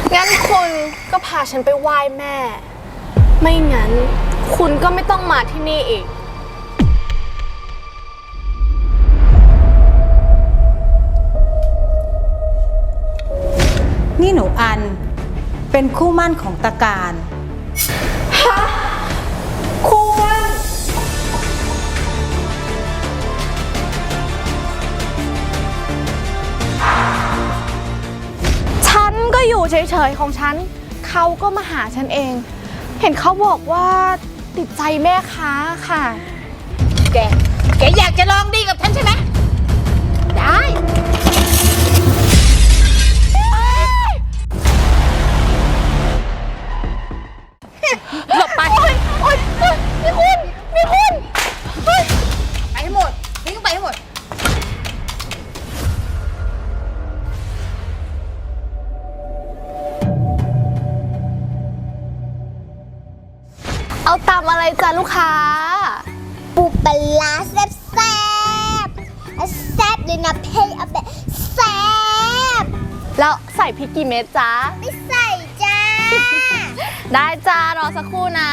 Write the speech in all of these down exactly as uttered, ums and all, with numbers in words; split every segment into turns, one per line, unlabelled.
งั้นคุณก็พาฉันไปไหว้แม่ ไม่งั้นคุณก็ไม่ต้องมาที่นี่อีก
นี่หนูอันเป็นคู่มั่นของตาการ
ฮะคู่มั่นฉันก็อยู่เฉยๆของฉันเขาก็มาหาฉันเองเห็นเขาบอกว่าติดใจแม่ค้าค่ะ
แกแกอยากจะลองดีกับฉันใช่ไหมได้หลบไป
โอ๊ยนี่คุณนี่คุณ
ไปให้หมดทิ้งไปให้หมด
เอาตำอะไรจ้ะลูกค้า
ปูปลาร้าแซ่บแซ่บแซ่บเลยนะเพ่เอาแบบแซ่บ
แล้วใส่พริกกี่เม็ดจ๊ะ
ไม่ใส่จ้า
ได้จ้ารอสักครู่นะ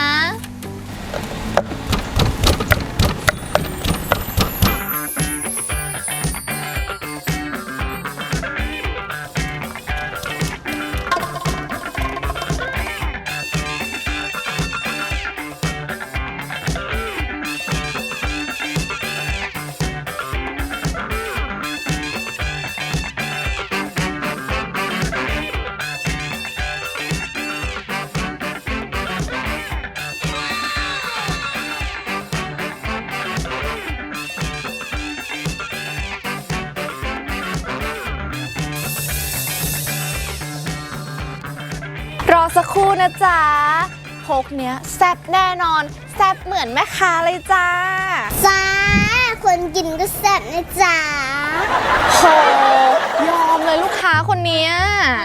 รอสักครู่นะจ๊ะพกเนี้ยแซ่บแน่นอนแซ่บเหมือนแม่ค้าเลยจ้า
จ้าคนกินก็แซ่บนะจ้า
โหยอมเลยลูกค้าคนเนี้ย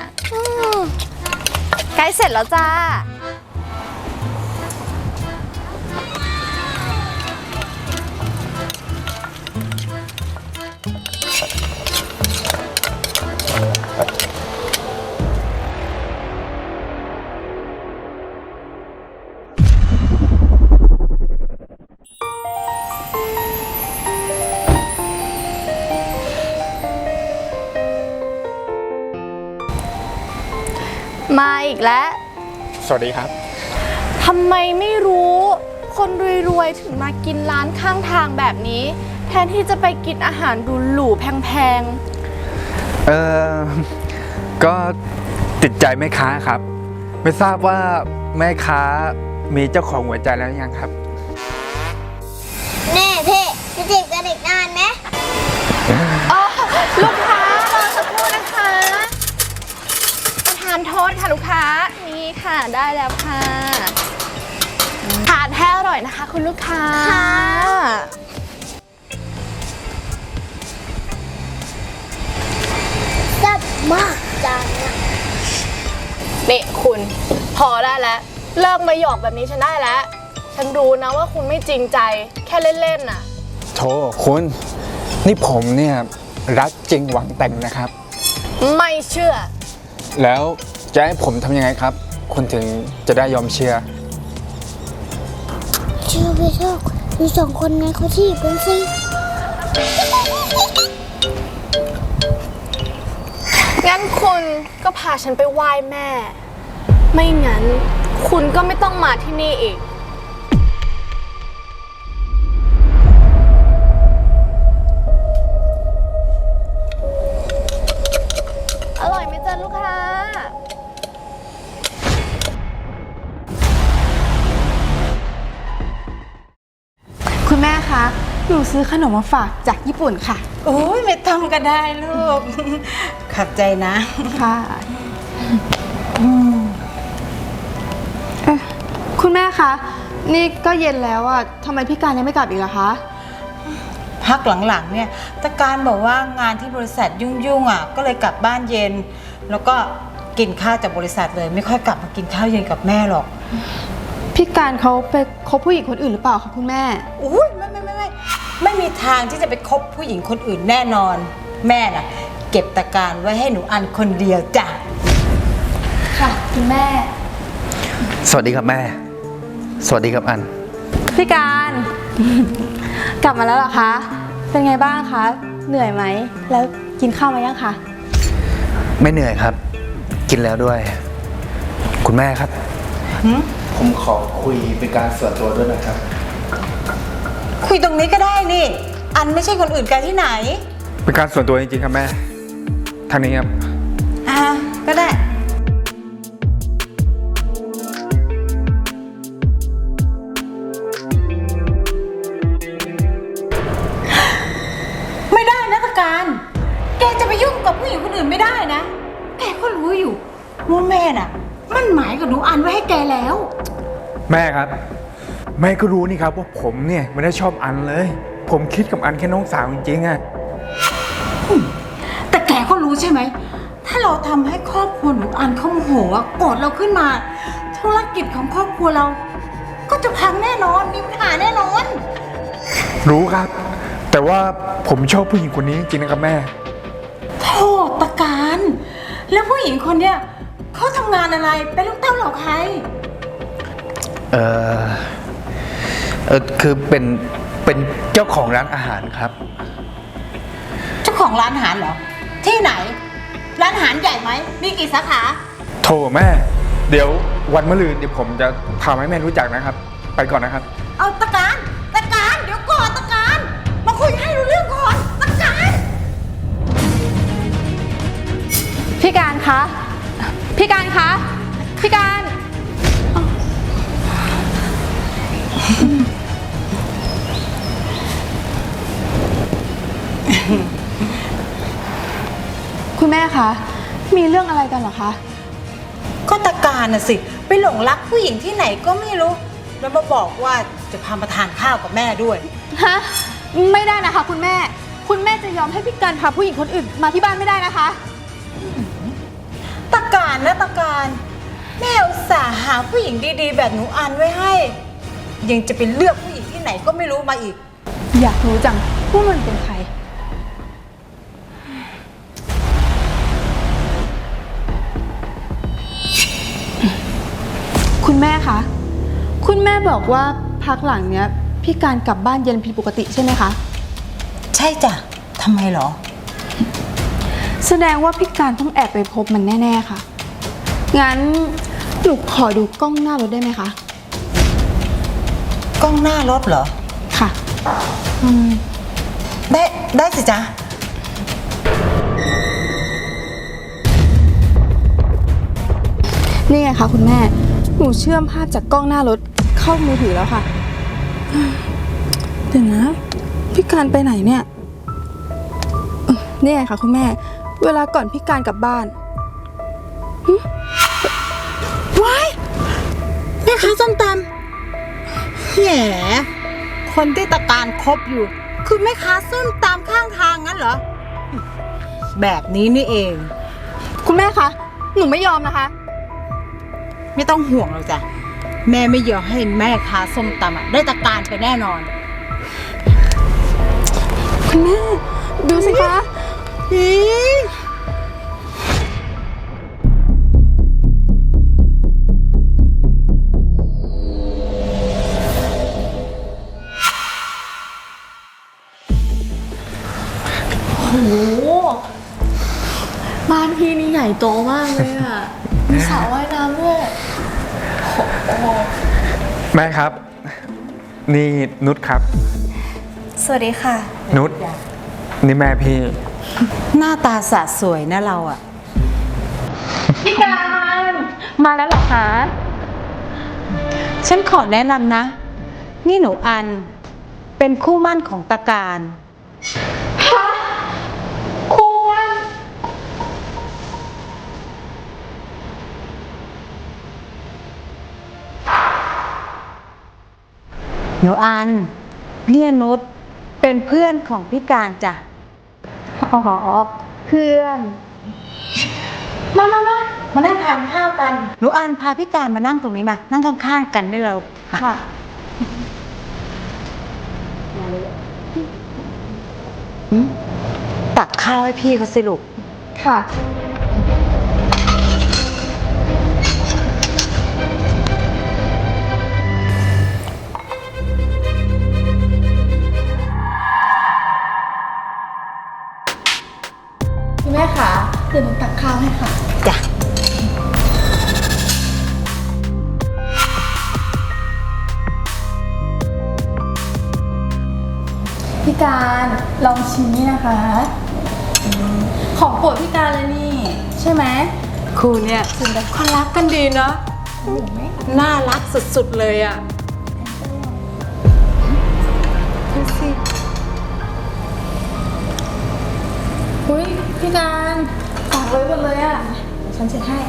ใกล้เสร็จแล้วจ้ามาอีกแล้ว
สวัสดีครับ
ทำไมไม่รู้คนรวยๆถึงมากินร้านข้างทางแบบนี้แทนที่จะไปกินอาหารหรูๆแพง
ๆเออก็ติดใจแม่ค้าครับไม่ทราบว่าแม่ค้ามีเจ้าของหัวใจแล้วยังครับ
แน่เพ่จะจีบกับเด็กนานไหม
อ๋อลูกค้ารอสักครู่นะคะทานโทษค่ะลูกค้านี่ค่ะได้แล้วค่ะทานให้อร่อยนะคะคุณลูกค้า
แซ่บมากจังนะ
เด็กคุณพอได้แล้วเลิกมาหยอกแบบนี้ฉันได้แล้วฉันรู้นะว่าคุณไม่จริงใจแค่เล่นๆน่ะ
โธ่คุณนี่ผมเนี่ยรักจริงหวังแต่งนะครับ
ไม่เชื่อ
แล้วจะให้ผมทำยังไงครับคุณถึงจะได้ยอมเชื่อ
เชื่อไปเถอะดูสองคนนั้นเขาที่กันสิ
งั้นคุณก็พาฉันไปไหว้แม่ ไม่งั้นคุณก็ไม่ต้องมาที่นี่อีกอร่อยไหมจ๊ะลูกค้า
คุณแม่คะหนูซื้อขนมมาฝากจากญี่ปุ่นค่ะ
โอ้ยไม่ต้องก็ได้ลูกขอบใจนะ
ค่ะคุณแม่คะนี่ก็เย็นแล้วอ่ะทำไมพี่การยังไม่กลับอีกล่ะคะ
พักหลังๆเนี่ยตาการบอกว่างานที่บริษัทยุ่งๆอ่ะก็เลยกลับบ้านเย็นแล้วก็กินข้าวจากบริษัทเลยไม่ค่อยกลับมากินข้าวเย็นกับแม่หรอก
พี่การเขาไปคบผู้หญิงคนอื่นหรือเปล่าคะคุณแม่
อุ้ยไม่ไม่ไม่ไม่ไม่มีทางที่จะไปคบผู้หญิงคนอื่นแน่นอนแม่น่ะเก็บตาการไว้ให้หนูอันคนเดียวจ้ะ
ค่ะคุณแม่
สวัสดีครับแม่ สวัสดีครับอัน
พี่การ กลับมาแล้วเหรอคะ เป็นไงบ้างคะ เหนื่อยไหม แล้วกินข้าวมายังคะ
ไม่เหนื่อยครับ กินแล้วด้วย คุณแม่ครับ ผมขอคุยเป็นการส่วนตัวด้วยนะครับ
คุยตรงนี้ก็ได้นี่ อันไม่ใช่คนอื่นไกลที่ไหน
เป็นการส่วนตัวจริงๆครับแม่ ทางนี้ครับ
อ่า ก็ได้ ไม่ได้นะตะการ แกจะไปยุ่งกับผู้หญิงคนอื่นไม่ได้นะ แกก็รู้อยู่ว่าแม่น่ะ มันหมายกับหนูอันไว้ให้แกแล้ว
แม่ครับ แม่ก็รู้นี่ครับว่าผมเนี่ยไม่ได้ชอบอันเลย ผมคิดกับอันแค่น้องสาวจริงๆอะ
แต่แกก็รู้ใช่ไหม ถ้าเราทำให้ครอบครัวหนูอันเขาโมโหอะโกรธเราขึ้นมา ธุรกิจของครอบครัวเรา ก็จะพังแน่นอน มีปัญหาแน่นอน
รู้ครับ แต่ว่าผมชอบผู้หญิงคนนี้จริงๆนะครับแม่
โทษตะการ แล้วผู้หญิงคนเนี้ยเขาทำงานอะไร เป็นลูกเต้าเหล่าใคร
เออเออคือเป็นเป็นเจ้าของร้านอาหารครับ
เจ้าของร้านอาหารเหรอ ที่ไหน ร้านอาหารใหญ่ไหม มีกี่สาขา
โทรแม่ เดี๋ยววันมะรืนเดี๋ยวผมจะทำให้แม่รู้จักนะครับ ไปก่อนนะครับ
เอาตะการตะการ เดี๋ยวก่อนตะการ มาคุยให้รู้เรื่องก่อนตะการ
พี่การคะ พี่การคะ พี่การ คุณแม่คะ มีเรื่องอะไรกันเหรอคะ
ก็ตะการน่ะสิ ไปหลงรักผู้หญิงที่ไหนก็ไม่รู้ แล้วมาบอกว่าจะพามาทานข้าวกับแม่ด้วย
ฮะ ไม่ได้นะคะ คุณแม่ คุณแม่จะยอมให้พี่การพาผู้หญิงคนอื่นมาที่บ้านไม่ได้นะคะ
ตะการนะตะการ แม่อุตส่าห์หาผู้หญิงดีๆ แบบหนูอันไว้ให้ ยังจะไปเลือกผู้หญิงที่ไหนก็ไม่รู้มาอีก
อยากรู้จังว่ามันเป็นใคร คุณแม่คะ คุณแม่บอกว่าพักหลังเนี้ยพี่การกลับบ้านเย็นผิดปกติใช่ไหมคะ
ใช่จ้ะทำไมเหรอ
แสดงว่าพี่การต้องแอบไปพบมันแน่ๆค่ะ งั้นหนูขอดูกล้องหน้ารถได้ไหมคะ
กล้องหน้ารถเหรอ
ค่ะ
ได้ได้สิจ๊ะ
นี่ไงคะคุณแม่ หนูเชื่อมภาพจากกล้องหน้ารถเข้ามือถือแล้วค่ะ เดี๋ยวนะ พี่การไปไหนเนี่ยเอ่อนี่ไงคะคุณแม่ เวลาก่อนพี่การกลับบ้าน
ว้ายแม่ค้าส้มตำแหมคนที่ตะการคบอยู่ คือแม่ค้าส้มตำข้างทางงั้นเหรอ แบบนี้นี่เอง
คุณแม่คะ หนูไม่ยอมนะคะ
ไม่ต้องห่วงหรอกจ้ะ แม่ไม่ยอมให้แม่ค้าส้มตำอะได้ตะการไปแน่นอน
คุณแม่ ดูสิคะ
อี
โอ้โห บ้านพี่นี่ใหญ่โตมากเลยอ่ะ มีสระว่ายน้ำด้วย
แม่ครับ นี่นุชครับ
สวัสดีค่ะ
นุชนี่แม่พี่
หน้าตาสะสวยนะเราอะ
พี่การ มาแล้วเหรอคะ
ฉันขอแนะนำนะ นี่หนูอัน เป็นคู่หมั่นของตะการ
ควร
หนูอันเนี่ยนุชเป็นเพื่อนของพี่การจ้ะ
อ๋อ เพื่อน
มามามามานั่งทานข้าวกัน หนูอันพาพี่การมานั่งตรงนี้มา นั่งข้างๆกันได้เรา
ค่ะ
ตักข้าวให้พี่เขาสิลูก
ค่ะ
โ
ลองชิมนี่นะคะอืมของโปรดพี่การเลยนี่ ใช่ไหม
คู่เนี่ยเขารักกันดีเนาะน่ารักสุดๆเลยอ่ะดูสิ
อุ้ยพี่การฝากเลยหมดเลยอ่ะฉันเช็ดให้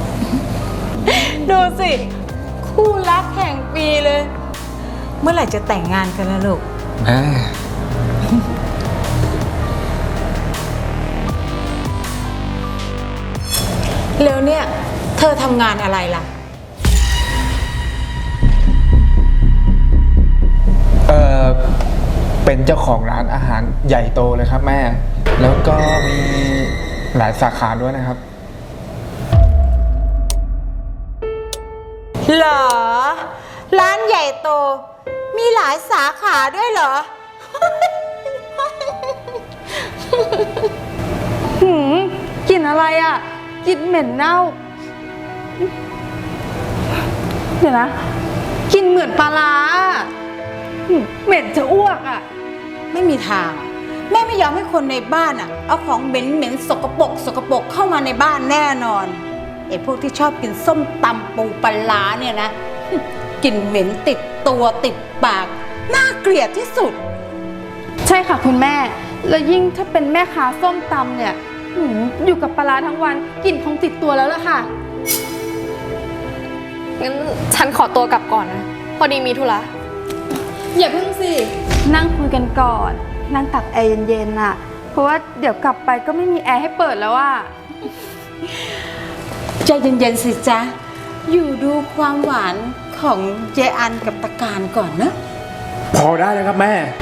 ดูสิ คู่รักแห่งปีเลย เมื่อไหร่จะแต่งงานกันล่ะลูก
แม่
แล้วเนี่ย เธอทำงานอะไรล่ะ
เออเป็นเจ้าของร้านอาหารใหญ่โตเลยครับแม่ แล้วก็มีหลายสาขาด้วยนะครับ
เหรอ ร้านใหญ่โต มีหลายสาขาด้วยเหรอ
หืมกลิ่นอะไรอ่ะกลิ่นเหม็นเน่า เดี๋ยวนะกลิ่นเหมือนปลาร้าอะหืมเหม็นจะอ้วกอ่ะ
ไม่มีทาง แม่ไม่ยอมให้คนในบ้านอ่ะ เอาของเหม็นเหม็นๆสกปรกสกปรกเข้ามาในบ้านแน่นอนไอ้พวกที่ชอบกินส้มตำปูปลาร้าเนี่ยนะ กลิ่นเหม็นติดตัวติดปาก น่าเกลียดที่สุด
ใช่ค่ะคุณแม่ แล้วยิ่งถ้าเป็นแม่ค้าส้มตำเนี่ยหืมอยู่กับปลาร้าทั้งวันกลิ่นคงติดตัวแล้วล่ะค่ะ
งั้นฉันขอตัวกลับก่อนนะ พอดีมีธุระ
อย่าเพิ่งสิ นั่งคุยกันก่อน นั่งตักแอร์เย็นๆน่ะ เพราะว่าเดี๋ยวกลับไปก็ไม่มีแอร์ให้เปิดแล้วอ่ะ
ใจเย็นๆสิจ๊ะ อยู่ดูความหวานของเจอันกับตะการก่อนนะ
พอได้เลยครับแม่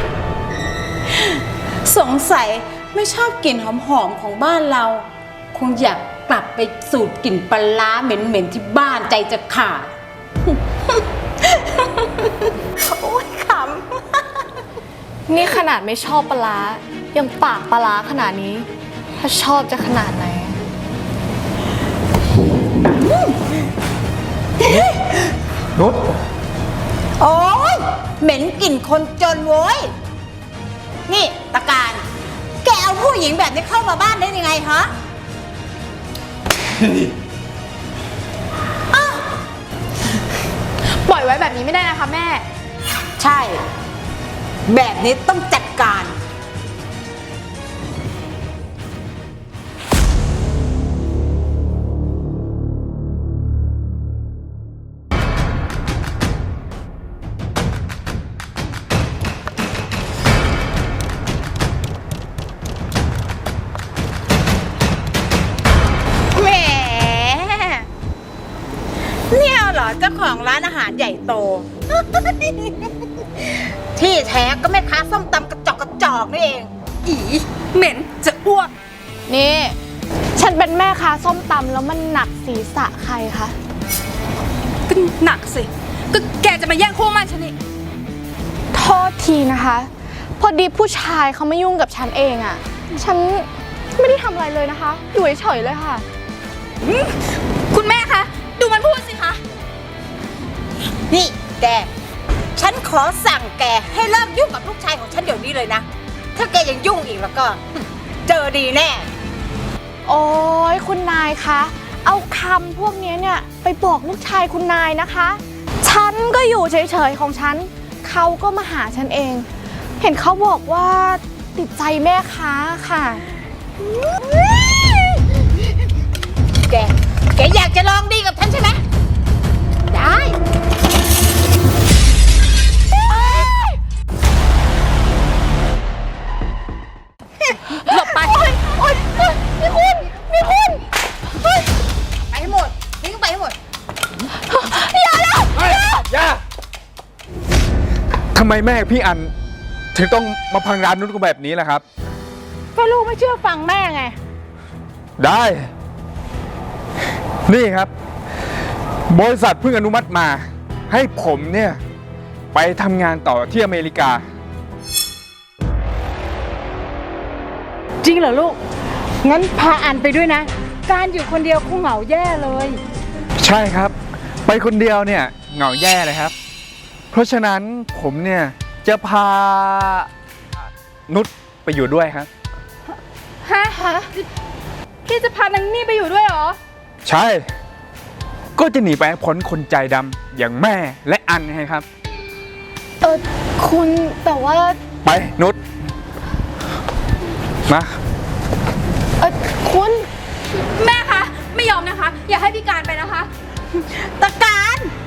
สงสัยไม่ชอบกลิ่นหอมๆของบ้านเรา คงอยากกลับไปสูดกลิ่นปลาร้าเหม็นๆที่บ้านใจจะขาด โอ้ยข
นี่ขนาดไม่ชอบปลาร้ายังปากปลาร้าขนาดนี้ ถ้าชอบจะขนาดไหน
นุช
ำโอ้ยเหม็นกลิ่นคนจนโว้ย นี่ตะการ แกเอาผู้หญิงแบบนี้เข้ามาบ้านได้ยังไงฮะ
ปล่อยไว้แบบนี้ไม่ได้นะคะแม่
ใช่ แบบนี้ต้องจัดการ แหม เนี่ยเหรอเจ้าของร้านอาหารใหญ่โต ที่แท้ก็แม่ค้าส้มตำกระจอกกระจอกนี่เอง
อีเหม็นจะอ้วก
นี่ ฉันเป็นแม่ค้าส้มตำแล้วมันหนักศีรษะใครคะ
ก็หนักสิ ก็แกจะมาแย่งคู่มันฉันนี่
โทษทีนะคะ พอดีผู้ชายเขาไม่ยุ่งกับฉันเองอะ่ะ ฉันไม่ได้ทำอะไรเลยนะคะ อยู่เฉยๆเลยค่ะ
คุณแม่คะ ดูมันพูดสิคะ
นี่แก ฉันขอสั่งแกให้เลิกยุ่งกับลูกชายของฉันเดี๋ยวนี้เลยนะ ถ้าแกยังยุ่งอีกแล้วก็ เจอดีแน่
โอ้ยคุณนายคะ เอาคำพวกนี้เนี่ยไปบอกลูกชายคุณนายนะคะ ฉันก็อยู่เฉยๆของฉัน เขาก็มาหาฉันเอง เห็นเขาบอกว่าติดใจแม่ค้าค่ะ
แก แกอยากจะลองดีกับฉันใช่ไหม ได้
หลบไป โอ๊ยโอ๊ยนี่คุณนี่คุณเฮ้ย
ไปให้หมดทิ้งไปให้หมด
อย่าแล้ว
เฮ้ยอย่าทำไมแม่พี่อัน ถึงต้องมาพังร้านนุชกูแบบนี้ล่ะครับ
ก็ลูกไม่เชื่อฟังแม่ไง
ได้ นี่ครับ บริษัทเพิ่งอนุมัติมา ให้ผมเนี่ย ไปทำงานต่อที่อเมริกา
จริงเหรอลูก งั้นพาอันไปด้วยนะ การอยู่คนเดียวคงเหงาแย่เลย
ใช่ครับ ไปคนเดียวเนี่ยเหงาแย่เลยครับ เพราะฉะนั้นผมเนี่ย จะพานุชไปอยู่ด้วยครับ
ฮะพี่จะพานางนี่ไปอยู่ด้วยเหรอ
ใช่ ก็จะหนีไปให้พ้นคนใจดำอย่างแม่และอันไงครับ
เออคุณแต่ว่า
ไปนุชมา
เออคุณ
แม่คะ ไม่ยอมนะคะ อย่าให้พี่การไปนะคะ
ตะการ